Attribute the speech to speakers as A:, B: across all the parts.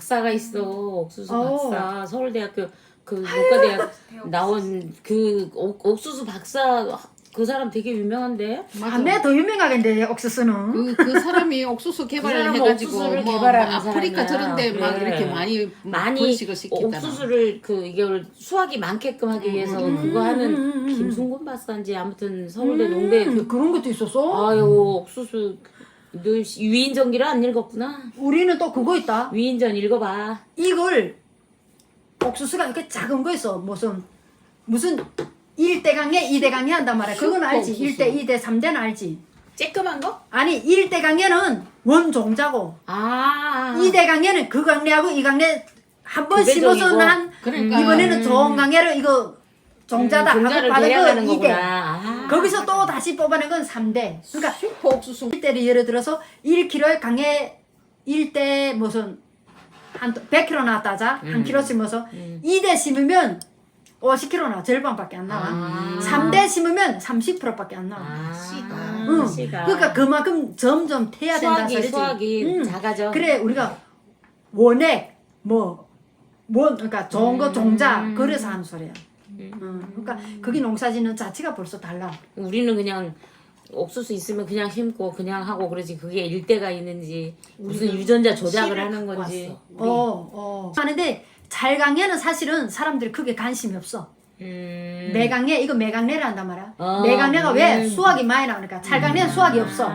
A: 박사가 있어. 옥수수
B: 어.
A: 박사. 서울대학교 그 문과대학 나온 그 옥수수 박사 그 사람 되게 유명한데.
B: 밤에 더 유명하겠는데 옥수수는.
C: 그 사람이 옥수수 개발을
A: 사람은
C: 해가지고
A: 옥수수를
C: 뭐
A: 개발하는
C: 아프리카
A: 사람이야.
C: 저런데 막
A: 그래.
C: 이렇게 많이
A: 많이
C: 번식을 시키잖아.
A: 옥수수를 이걸 수확이 많게끔 하기 위해서 그거 하는 김순곤 박사인지 아무튼 서울대 농대
B: 그런 것도 있었어?
A: 아유 옥수수 너 위인전기를 안 읽었구나.
B: 우리는 또 그거 있다.
A: 위인전 읽어봐.
B: 이걸 옥수수가 이렇게 작은 거 있어. 무슨 1대강에 2대강에 한단 말이야. 그건 알지.
C: 옥수수.
B: 1대, 2대, 3대는 알지.
A: 쬐끄만 거?
B: 아니 1대강에는 원종자고
A: 아
B: 2대강에는 그 강례하고 이 강례 한 번
A: 두 배
B: 심어서
A: 종이고.
B: 난
C: 그러니까.
B: 이번에는 좋은 강례를 이거 종자다 하고
A: 종자를
B: 받은 거
A: 계량하는
B: 2대.
A: 거구나. 아.
B: 거기서 또 다시 뽑아낸 건 3대. 그러니까
C: 슈퍼 옥수수
B: 1대를 예를 들어서 1kg에 강에 1대 무슨 한 100kg 나왔다 하자. 한 kg 심어서 2대 심으면 50kg 나와. 절반밖에 안 나와.
A: 아.
B: 3대 심으면 30%밖에 안 나와.
A: 아,
C: 씨가.
B: 응.
A: 씨가.
B: 그러니까 그만큼 점점 태야 된다
A: 수확이
B: 소리지.
A: 수확이 작아져.
B: 그래 우리가 원액 그러니까 좋은 거 종자 그래서 하는 소리야. 그러니까 거기 농사짓는 자체가 벌써 달라.
A: 우리는 그냥 옥수수 있으면 그냥 심고 그냥 하고 그러지 그게 일대가 있는지 무슨 유전자 조작을 하는 건지.
B: 하는데 잘강에는 사실은 사람들이 크게 관심이 없어. 매강래 이거 매강래를 한단 말이야. 매강래가 왜 수확이 많이 나오니까 찰강래는 수확이 없어.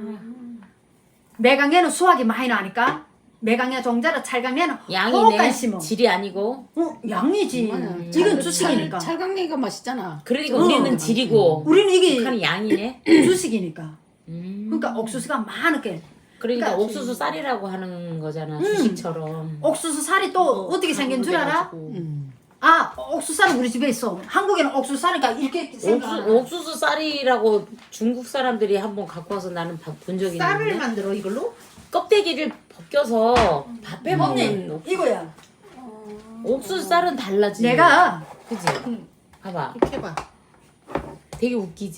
B: 매강래는 수확이 많이 나니까 매강래 종자라 찰강래는 호흡 관심어.
A: 질이 아니고.
B: 양이지. 이건 주식이니까.
C: 찰강냉이가 맛있잖아.
A: 그러니까 우리는 질이고
B: 우리는 이게
A: 북한이 양이네.
B: 주식이니까. 그러니까 옥수수가 많게.
A: 그러니까 옥수수 쌀이라고 하는 거잖아. 주식처럼.
B: 옥수수 살이 또 어떻게 생긴 줄 알아? 아, 옥수수살은 우리 집에 있어. 한국에는 옥수수살이니까 이렇게 생겨.
A: 옥수수 쌀이라고 중국 사람들이 한번 갖고 와서 나는 본 적이
C: 쌀을
A: 있는데
C: 만들어 이걸로?
A: 껍데기를 벗겨서 밥해 먹는
B: 언니, 이거야.
A: 옥수수 쌀은 달라지.
B: 내가
A: 그지? 봐봐.
C: 이렇게 해봐.
A: 되게 웃기지.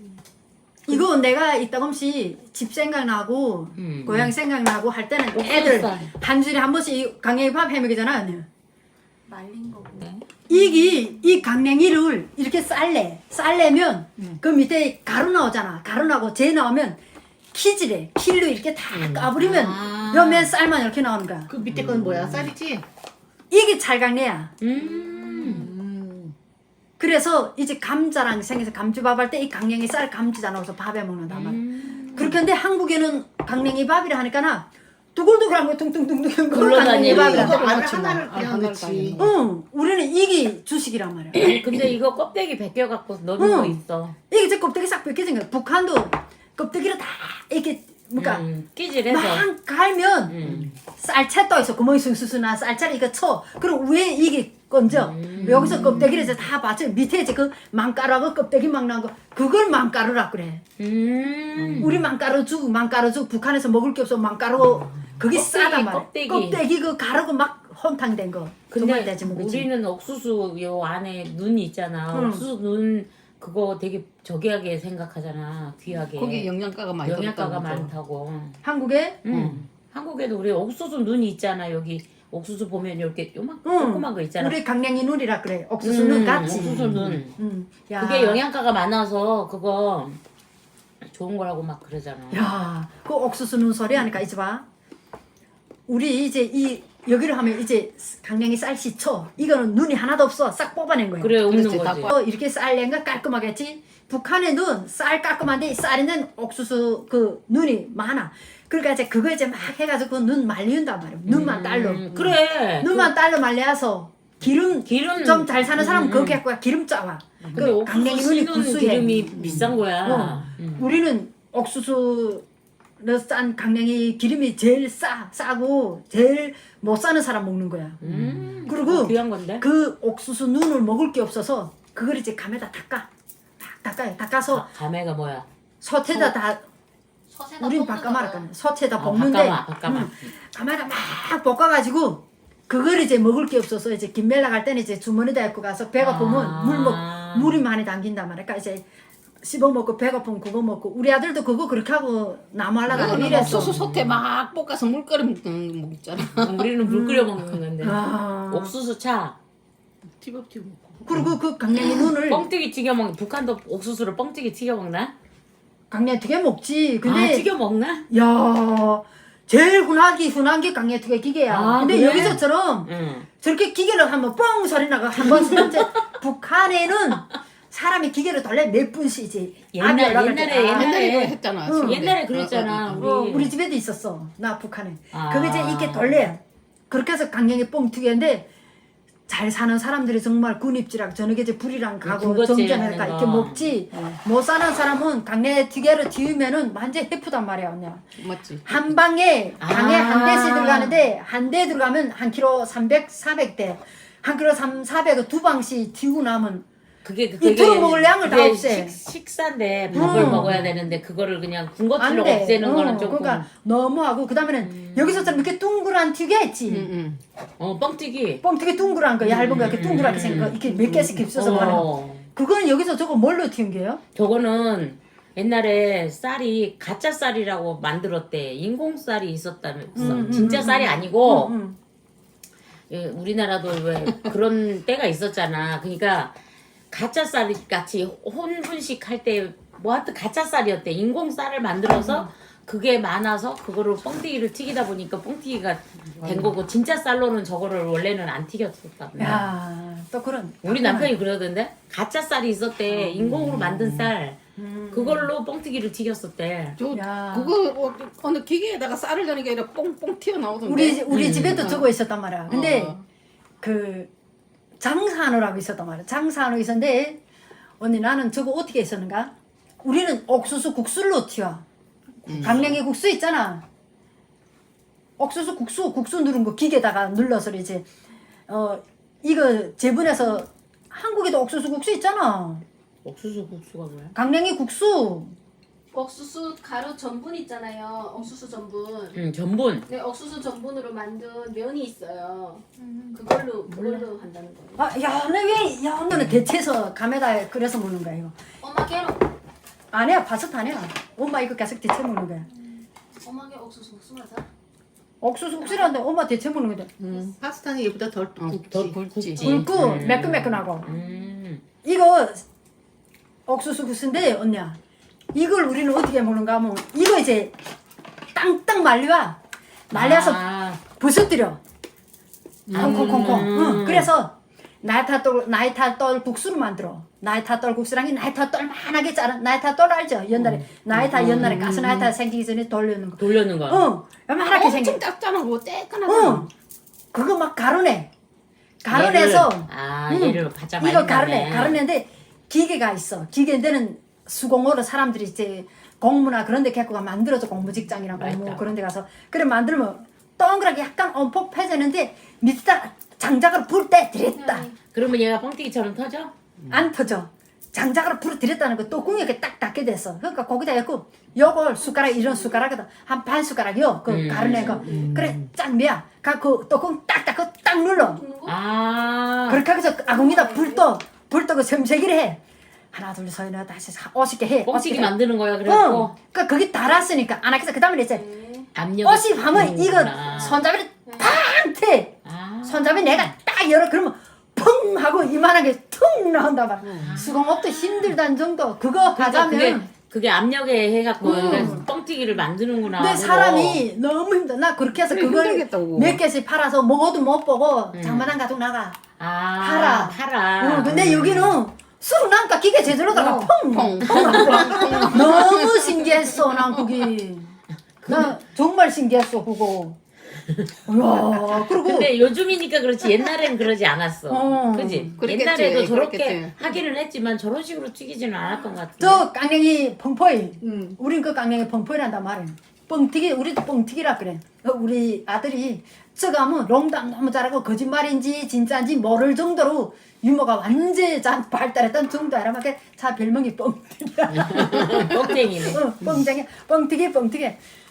B: 이거 내가 이따금씩 집 생각나고 고향 생각나고 할 때는 애들
A: 옥수수살.
B: 한 주일에 한 번씩 강냉이 밥 해먹이잖아. 언니.
D: 말린 거고.
A: 네.
B: 이 강냉이를 이렇게 쌀래면 그 밑에 가루 나오잖아. 가루 나고 재 나오면 키질해. 킬로 이렇게 다 까부리면 옆면 쌀만 이렇게 나오는 거야.
C: 그 밑에 건 뭐야? 쌀이지?
B: 이게 찰강내야.
C: 음.
B: 그래서 이제 감자랑 생겨서 감주밥 할 때 이 강냉이 쌀 감지자 넣어서 밥에 먹는단 말이야. 그렇게 한데 한국에는 강냉이 밥이라 하니까나 두글두글한 거 퉁퉁퉁퉁 그런 강냉이
A: 굴러다니는
B: 밥이라.
C: 이거
A: 거.
C: 알을 하나를 그냥
D: 그렇지.
B: 응, 우리는 이게 주식이란 말이야.
A: 근데 이거 껍데기 벗겨갖고 넣는 거 있어.
B: 이게 제 껍데기 싹 벗겨진 거야. 북한도 껍데기를 다 이렇게 그러니까
A: 끼질해서.
B: 막 갈면 쌀채 떠 있어. 구멍이 숭숭숭한 쌀채를 이거 쳐. 그리고 위에 이게 건져. 여기서 껍데기를 이제 다 받쳐. 밑에 이제 그 망가루하고 껍데기 막 나온 거 그걸 망가루라 그래. 우리 망가루죽 북한에서 먹을 게 없어. 망가루 그게
A: 껍데기,
B: 싸단 말이야.
A: 껍데기.
B: 껍데기 그 가루고 막 혼탕된 거. 정말
A: 근데
B: 되지 먹지.
A: 우리는 옥수수 요 안에 눈이 있잖아. 옥수수 눈 그거 되게 저기하게 생각하잖아. 귀하게.
C: 거기 영양가가 많이
A: 영양가가
C: 들었다고 그러죠.
A: 많다고.
B: 한국에
A: 한국에도 우리 옥수수 눈이 있잖아. 여기 옥수수 보면 이렇게 조그만 거 있잖아.
B: 우리 강냉이 눈이라 그래. 옥수수 눈 같지.
A: 옥수수 눈.
B: 야.
A: 그게 영양가가 많아서 그거 좋은 거라고 막 그러잖아.
B: 야, 그 옥수수 눈 소리 하니까 이제 봐. 우리 이제 이 여기를 하면 이제 강냉이 쌀씨 쳐. 이거는 눈이 하나도 없어. 싹 뽑아낸 거야.
A: 그래 없는
C: 그렇지,
A: 거지.
C: 다
B: 이렇게 쌀낸가 깔끔하겠지. 북한의 눈, 쌀 깔끔한데 이 쌀에는 옥수수 그 눈이 많아. 그러니까 이제 그거 이제 막 해가지고 그 눈 말리운단 말이야. 눈만 딸로.
A: 그래.
B: 눈만 딸로 말려서 기름 좀 잘 사는 사람은 그렇게 할 거야. 기름 짜와.
A: 근데
B: 그 강냉이
A: 옥수수
B: 눈이
A: 씨는
B: 구수해.
A: 기름이 비싼 거야.
B: 우리는 옥수수로 싼 강냉이 기름이 제일 싸고 제일 못 사는 사람 먹는 거야. 그리고
A: 귀한 건데.
B: 그 옥수수 눈을 먹을 게 없어서 그걸 이제 감에다 닦아. 닦아요. 닦아서
A: 감회가 뭐야?
B: 솥에다 다
D: 서세다
B: 우린
D: 볶는
B: 바꿔 말할
D: 거야.
B: 거야. 솥에다
A: 아,
B: 볶는데
A: 바꿔마.
B: 감에다 막 볶아가지고 그걸 이제 먹을 게 없어서 이제 김멜라 갈 때는 이제 주머니에다 입고 가서 배가 보면 물이 많이 담긴단 말이야. 그러니까 이제 씹어먹고 배고프면 그거 먹고 우리 아들도 그거 그렇게 하고 나무 하려다가
C: 나는
B: 이랬어.
C: 옥수수 소태 막 볶아서 물 끓여 먹잖아.
A: 우리는 물 끓여 먹는 건데.
B: 아.
A: 옥수수 차.
C: 티밥티 먹고.
B: 그리고 그 강냉이 눈을
A: 뻥튀기 튀겨 먹. 북한도 옥수수를 뻥튀기 튀겨 먹나?
B: 강냉이 튀겨 먹지. 근데
A: 튀겨 먹나?
B: 야 제일 흔한 게 강냉이 튀겨 기계야.
A: 아,
B: 근데
A: 그래?
B: 여기서처럼
A: 응.
B: 저렇게 기계를 하면 뻥 소리 나고 한 번 쓰는데 북한에는 사람이 기계를 돌려 몇 분씩이지.
A: 옛날에
C: 옛날에 이거 했잖아.
B: 응.
A: 옛날에 그랬잖아.
B: 우리 집에도 있었어. 나 북한에.
A: 아.
B: 그게 이제 이렇게 돌려. 그렇게 해서 강냉이 뻥 튀기는데 잘 사는 사람들이 정말 군입지랑 저녁에 이제 불이랑 가고
A: 군것질
B: 정전해가
A: 하는
B: 이렇게
A: 거.
B: 먹지. 못 사는 사람은 강냉이 튀겨를 튀우면은 완전 해프단 말이야 언니.
C: 맞지.
B: 한 방에 방에
A: 아.
B: 한 대씩 들어가는데 한 대 들어가면 한 킬로 300, 400대. 한 킬로 400을 두 방씩 튀고 나면
A: 그게
B: 이틀 먹을 양을 다
A: 그게
B: 없애.
A: 식사인데 밥을 먹어야 되는데 그거를 그냥 군것질로
B: 안 돼.
A: 없애는 거는 조금.
B: 그러니까 너무하고 그다음에는 여기서처럼 이렇게 둥그란 튀겨야지.
C: 응.
A: 뻥튀기.
B: 뻥튀기 둥그란 거 얇은 거 이렇게 둥그랗게 생긴 거 이렇게 몇 개씩 깁서서 하는 거. 그거는 여기서 저거 뭘로 튀긴 게요?
A: 저거는 옛날에 쌀이 가짜 쌀이라고 만들었대. 인공 쌀이 있었다면서. 진짜 쌀이 아니고 예, 우리나라도 왜 그런 때가 있었잖아. 그러니까 가짜 쌀 같이 혼분식 할 때 뭐 하여튼 가짜 쌀이었대. 인공 쌀을 만들어서 그게 많아서 그거를 뻥튀기를 튀기다 보니까 뻥튀기가 된 거고 진짜 쌀로는 저거를 원래는 안 튀겼었다며.
B: 야, 또 그런.
A: 우리 남편이 그러던데 가짜 쌀이 있었대. 인공으로 만든 쌀. 그걸로 뻥튀기를 튀겼었대.
C: 저
B: 야.
C: 그거 어느 기계에다가 쌀을 넣는 게 아니라 뽕뽕 튀어나오던데.
B: 우리 집에도 저거 있었단 말이야. 근데
C: 어.
B: 그 장산호라고 있었단 말이야. 장산호 있었는데 언니 나는 저거 어떻게 했었는가? 우리는 옥수수 국수로 튀어. 강냉이 국수 있잖아. 옥수수 국수 누른 거 기계에다가 눌러서 이제 이거 재분해서 한국에도 옥수수 국수 있잖아.
A: 옥수수 국수가 뭐야?
B: 강냉이 국수.
D: 옥수수 가루 전분 있잖아요. 옥수수 전분.
A: 응, 전분.
D: 네, 옥수수 전분으로 만든 면이 있어요. 그걸로 한다는 거예요.
B: 아, 야, 너는 대체해서 감에다 끓여서 먹는 거야 이거.
D: 엄마 깨로.
B: 아니야, 파스타 아니야. 엄마 이거 계속 대체 먹는 거야.
D: 엄마게 옥수수 국수 맞아?
B: 옥수수 국수라는데 엄마 대체 먹는 거야.
C: 파스타는 얘보다 덜 굵지.
B: 굵고 매끈매끈하고.
A: 음.
B: 이거 옥수수 국수인데 언니야. 이걸 우리는 어떻게 먹는가 하면 이거 이제 땅땅 말려서 부서뜨려. 콩콩콩콩. 응. 그래서 나이타떨 국수를 만들어. 나이타떨 국수랑이 나이타떨 만하게 자른 나이타떨 알죠? 옛날에 옛날에 가스 나이타 생기기 전에 돌려는 거.
A: 돌려는 거.
B: 응. 요만하게 생긴.
C: 엄청 짭짤하고 떼끈하고.
B: 응. 그거 막 가루내. 가루내서
A: 얘를 바짝
B: 이거
A: 말린
B: 가루내는데 기계가 있어. 기계인데는 수공으로 사람들이 이제 공무나 그런 데 갖고 만들어서 공무직장이랑 공무 그런 데 가서 그래 만들면 동그랗게 약간 엄폭해지는데 밑에다 장작으로 불 때 들였다.
A: 그러면 얘가 뻥튀기처럼 터져?
B: 안 터져. 장작으로 불을 들였다는 거 뚜껑이 이렇게 딱 닫게 됐어. 그러니까 거기다 해갖고 요걸 숟가락 이런 숟가락에다 한 반 숟가락이요. 그 가루낸 거. 그래 짠 뭐야. 그 뚜껑 딱 닫고 딱 눌러. 그렇게 해서 아궁이다 불떠 그 sem세기를 해. 하나 둘 셋 넷 다섯 50개 해.
A: 뻥튀기 만드는 거야 그래갖고.
B: 그러니까 거기 달았으니까 안 하겠어. 그 다음에 이제
A: 압력.
B: 50 하면 이거 손잡이를 팡 태. 손잡이 내가 딱 열어 그러면 펑 하고 이만하게 퉁 나온다 봐. 수공업도 힘들다는 정도. 그거 하자면
A: 그게 압력에 해갖고 뻥튀기를 만드는구나.
B: 근데 사람이 너무 힘들어. 나 그렇게 해서 그걸
C: 힘들겠다, 그거.
B: 몇 개씩 팔아서 먹어도 못 보고 장마당 가지고 나가. 팔아. 근데 여기는 술을 나니까 기계 제대로 들어가 펑 하고 너무 신기했어 난 그게. 나 정말 신기했어 그거. 이야, 그리고
A: 근데 요즘이니까 그렇지 옛날엔 그러지 않았어. 그지?
C: 그랬겠지,
A: 옛날에도 저렇게
C: 그랬겠지.
A: 하기는 했지만 저런 식으로 튀기지는 않았던 것 같아.
B: 저 깡냉이 펑포이. 우린 그 깡냉이 펑포이란단 말이야. 뻥튀기 우리도 뻥튀기라 그래. 우리 아들이 저거 하면 롱당 너무 잘하고 거짓말인지 진짜인지 모를 정도로 유머가 완전히 발달했던 정도 알아. 자 별명이 뻥튀기야.
A: 뻥튀기네.
B: 뻥튀기.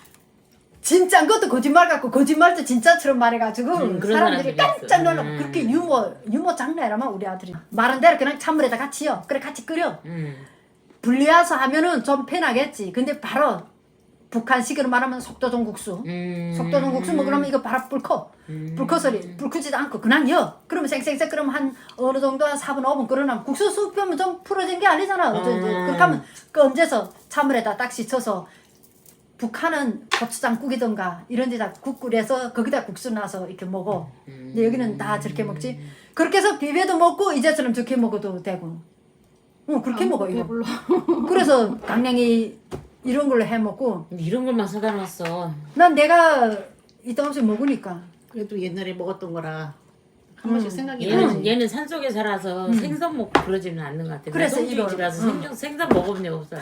B: 진짜인 것도 거짓말 같고 거짓말도 진짜처럼 말해가지고
A: 그런
B: 사람들이
A: 사람들이
B: 깜짝
A: 있어.
B: 놀라고 그렇게 유머 장난이라면 우리 아들이 말한 대로 그냥 찬물에다 같이요. 그래 같이 끓여. 분리해서 하면은 좀 편하겠지. 근데 바로 북한식으로 말하면 속도전국수. 속도전국수 먹으려면 이거 바로 불 커. 불 커서리 불 크지도 않고 그냥 여. 그러면 쌩쌩쌩 끓으면 한 어느 정도 한 4분 5분 끓으면 국수 수프면 좀 풀어진 게 아니잖아. 그렇게 하면 건져서 찬물에다 딱 씻어서 북한은 고추장국이던가 이런 데다 국 끓여서 거기다 국수 넣어서 이렇게 먹어. 근데 여기는 다 저렇게 먹지. 그렇게 해서 비벼도 먹고 이제처럼 저렇게 먹어도 되고. 그렇게 먹어 이거.
C: 배불러.
B: 그래서 강냉이 이런 걸로 해 먹고
A: 이런 걸만 사다 놨어.
B: 난 내가 이따 없이 먹으니까.
C: 그래도 옛날에 먹었던 거라 한 번씩 생각이
A: 얘는
C: 나지.
A: 얘는 산속에 살아서 생선 먹고 그러지는 않는 것 같아.
B: 그래서 이거
A: 이라서 생선 먹어본 적 없어.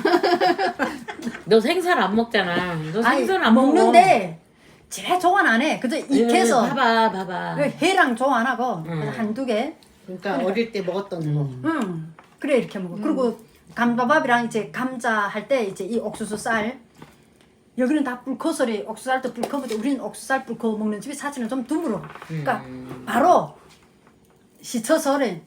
A: 너 생선 안 먹잖아. 너 생선 안 먹어.
B: 먹는데 집에 조안 안 해. 그저 익혀서
A: 봐봐.
B: 회랑 조안 하고 한두 개.
C: 그러니까 어릴 때 먹었던 거.
B: 그래 이렇게 먹어. 그리고 감자밥이랑 이제 감자 할 때 이제 이 옥수수 쌀 여기는 다 불커서리 옥수수 쌀도 불커는데 우리는 옥수수 쌀 불커 먹는 집이 사실은 좀 드물어. 그러니까 바로 시쳐서리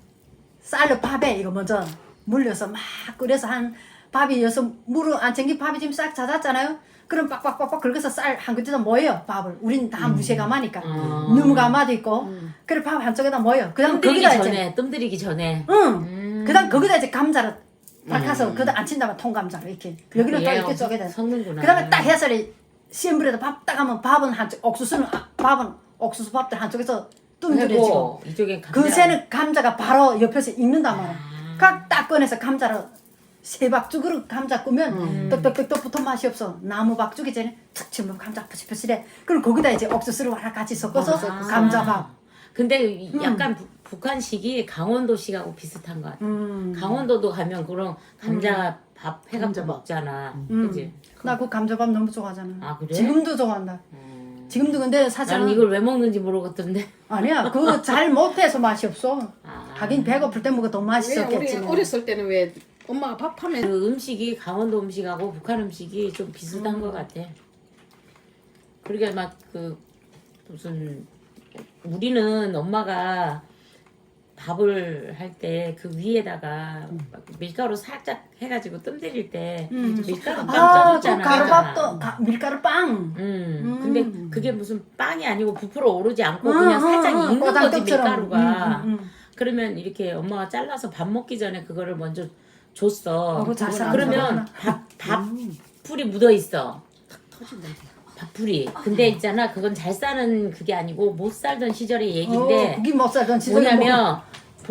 B: 쌀로 밥에 이거 먼저 물려서 막 끓여서 한 밥이 여서 물을 안 챙긴 밥이 지금 싹 잦았잖아요. 그럼 빡빡빡빡 긁어서 쌀 한 그릇에다 모여 밥을. 우린 다 무쇠가마니까 너무 가마도 있고. 그래 밥 한쪽에다 모여. 그다음 거기다 이제
A: 뜸들이기 전에.
B: 그다음 거기다 이제 감자를 닦아서 거기다 안 친다면 통감자로 이렇게 여기는 또 이렇게 쪼개다.
A: 섞는구나.
B: 그다음에 딱 해서리 센 불에다 밥 딱 하면 밥은 한쪽 밥은 옥수수 밥들 한쪽에서 뜸들여지고
A: 이쪽에 감자.
B: 그 새는 감자가 바로 옆에서 익는단 말이야. 각 꺼내서 감자를 세 박죽으로 감자 꾸면 떡떡떡떡 붙어 맛이 없어. 나무 박죽이 전에 툭 치면 감자 퍼실퍼실해. 그리고 거기다 이제 옥수수를 와라 같이 섞어서 감자밥.
A: 근데 약간 북한식이 강원도식하고 비슷한 것 같아. 강원도도 가면 그런 감자 밥 해가지고 먹잖아. 그지?
B: 나 그 감자밥 너무 좋아하잖아.
A: 아, 그래?
B: 지금도 좋아한다. 지금도 근데 사실은
A: 나는 이걸 왜 먹는지 모르겠던데.
B: 아니야. 그거 잘 못해서 맛이 없어.
A: 아.
B: 하긴 배고플 때 먹어 더
C: 왜
B: 맛있었겠지.
C: 우리
B: 뭐.
C: 어렸을 때는 왜 엄마가 밥하면
A: 그 음식이 강원도 음식하고 북한 음식이 좀 비슷한 것 같아. 그러게 막 그 무슨 우리는 엄마가 밥을 할 때 그 위에다가 막 밀가루 살짝 해가지고 뜸들일 때 밀가루 빵
B: 아, 저
A: 쪄줬잖아.
B: 가루밥도 밀가루 빵.
A: 근데 그게 무슨 빵이 아니고 부풀어 오르지 않고 그냥 살짝 익는 거지
B: 꼬장떡처럼.
A: 밀가루가. 그러면 이렇게 엄마가 잘라서 밥 먹기 전에 그거를 먼저 줬어.
B: 그거 잘
A: 그러면 밥풀이 묻어 있어. 밥풀이. 근데 있잖아, 그건 잘 싸는 그게 아니고 못 살던 시절의 얘기인데.
B: 고기 못 살던 시절에
A: 뭐냐면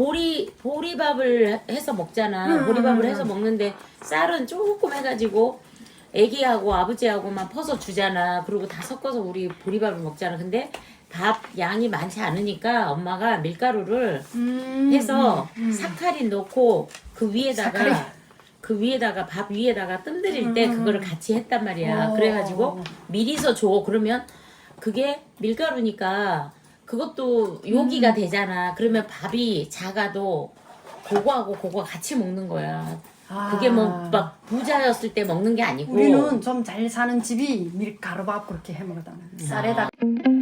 A: 보리밥을 해서 먹잖아. 보리밥을 해서 먹는데 쌀은 조금 해가지고 애기하고 아버지하고만 퍼서 주잖아. 그리고 다 섞어서 우리 보리밥을 먹잖아. 근데 밥 양이 많지 않으니까 엄마가 밀가루를 해서 사카린 넣고 그 위에다가 밥 위에다가 뜸들일 때 그거를 같이 했단 말이야. 그래가지고 미리서 줘. 그러면 그게 밀가루니까 그것도 요기가 되잖아. 그러면 밥이 작아도 그거하고 그거 같이 먹는 거야. 그게 뭐 막 부자였을 때 먹는 게 아니고.
B: 우리는 좀 잘 사는 집이 밀가루밥 그렇게 해 먹었다. 쌀에다